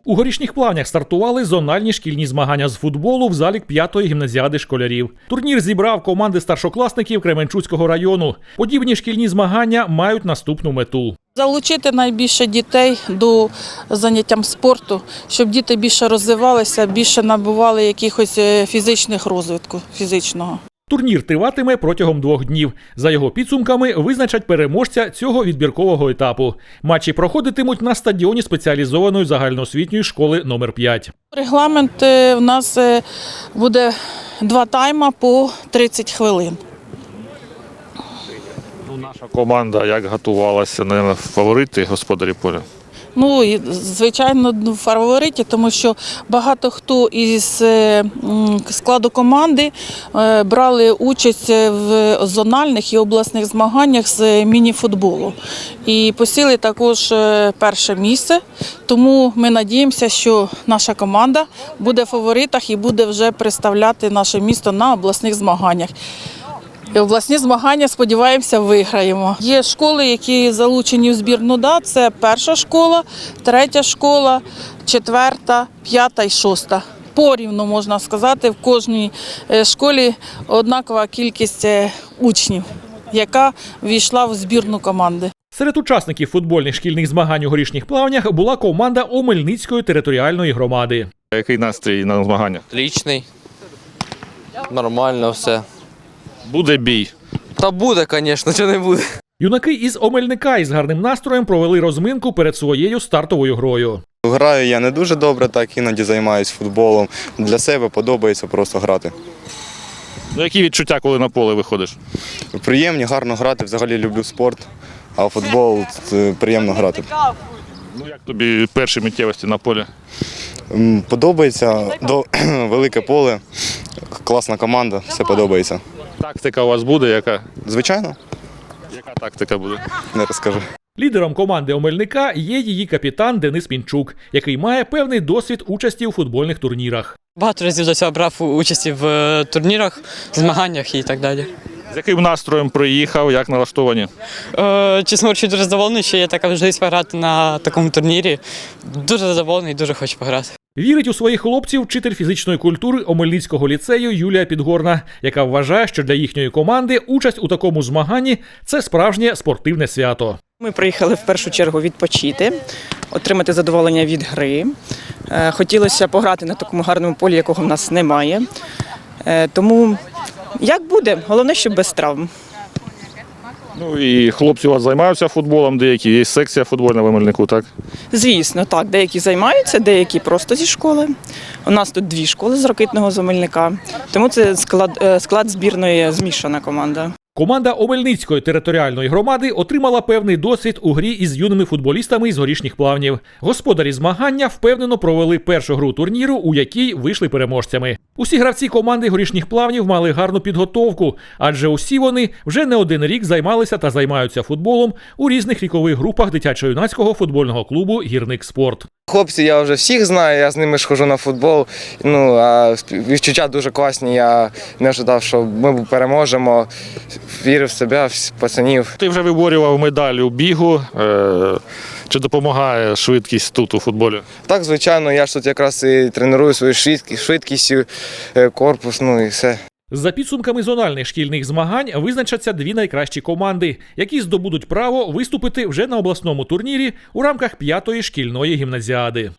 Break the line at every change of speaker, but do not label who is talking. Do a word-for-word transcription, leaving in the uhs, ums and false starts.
У Горішніх Плавнях стартували зональні шкільні змагання з футболу в залі п'ятої гімназіади школярів. Турнір зібрав команди старшокласників Кременчуцького району. Подібні шкільні змагання мають наступну мету.
Залучити найбільше дітей до заняттям спорту, щоб діти більше розвивалися, більше набували якихось фізичних розвитку, фізичного.
Турнір триватиме протягом двох днів. За його підсумками визначать переможця цього відбіркового етапу. Матчі проходитимуть на стадіоні спеціалізованої загальноосвітньої школи номер п'ять.
Регламент у нас буде два тайма по тридцять хвилин.
Ну, наша команда як готувалася, на фаворити господарі поля?
Ну, і, звичайно, в фавориті, тому що багато хто із складу команди брали участь в зональних і обласних змаганнях з міні-футболу. І посіли також перше місце, тому ми сподіваємося, що наша команда буде в фаворитах і буде вже представляти наше місто на обласних змаганнях. І обласні змагання, сподіваємося, виграємо. Є школи, які залучені в збірну ДА. Це перша школа, третя школа, четверта, п'ята і шоста. Порівну, можна сказати, в кожній школі однакова кількість учнів, яка ввійшла в збірну команди.
Серед учасників футбольних шкільних змагань у Горішніх Плавнях була команда Омельницької територіальної громади.
Який настрій на змаганнях?
Отличний. Нормально все.
Буде бій?
Та буде, звісно, чи не буде.
Юнаки із Омельника із гарним настроєм провели розминку перед своєю стартовою грою.
Граю я не дуже добре, так іноді займаюся футболом. Для себе подобається просто грати.
Ну, які відчуття, коли на поле виходиш?
Приємні, гарно грати, взагалі люблю спорт, а в футбол приємно грати.
Ну, як тобі перші миттєвості на полі?
Подобається, до, велике поле, класна команда, все подобається.
Тактика у вас буде яка?
Звичайно,
Яка тактика буде?
не розкажу.
Лідером команди Омельника є її капітан Денис Пінчук, який має певний досвід участі у футбольних турнірах.
Багато разів до цього брав участь в турнірах, змаганнях і так далі.
З яким настроєм приїхав, як налаштовані?
Е, чесно говорячи, дуже задоволений, що є така можливість пограти на такому турнірі. Дуже задоволений і дуже хочу пограти.
Вірить у своїх хлопців вчитель фізичної культури Омельницького ліцею Юлія Підгорна, яка вважає, що для їхньої команди участь у такому змаганні – це справжнє спортивне свято.
Ми приїхали в першу чергу відпочити, отримати задоволення від гри. Хотілося пограти на такому гарному полі, якого в нас немає. Тому як буде, головне, щоб без травм.
Ну і хлопці у вас займаються футболом, деякі, є секція футбольна в Омельнику, так?
Звісно, так, деякі займаються, деякі просто зі школи. У нас тут дві школи з Ракитного, з Омельника, тому це склад, склад збірної змішана команда.
Команда Омельницької територіальної громади отримала певний досвід у грі із юними футболістами із Горішніх Плавнів. Господарі змагання впевнено провели першу гру турніру, у якій вийшли переможцями. Усі гравці команди Горішніх Плавнів мали гарну підготовку, адже усі вони вже не один рік займалися та займаються футболом у різних вікових групах дитячо-юнацького футбольного клубу «Гірник Спорт».
Хлопці я вже всіх знаю, я з ними ж хожу на футбол. Ну, а відчуття дуже класні, я не очікував, що ми переможемо. Вірив в себе, в пацанів.
Ти вже виборював медаль у бігу. Чи допомагає швидкість тут у футболі?
Так, звичайно, я ж тут якраз і треную свою швидкість, швидкість, корпус, ну і все.
За підсумками зональних шкільних змагань визначаться дві найкращі команди, які здобудуть право виступити вже на обласному турнірі у рамках п'ятої шкільної гімназіади.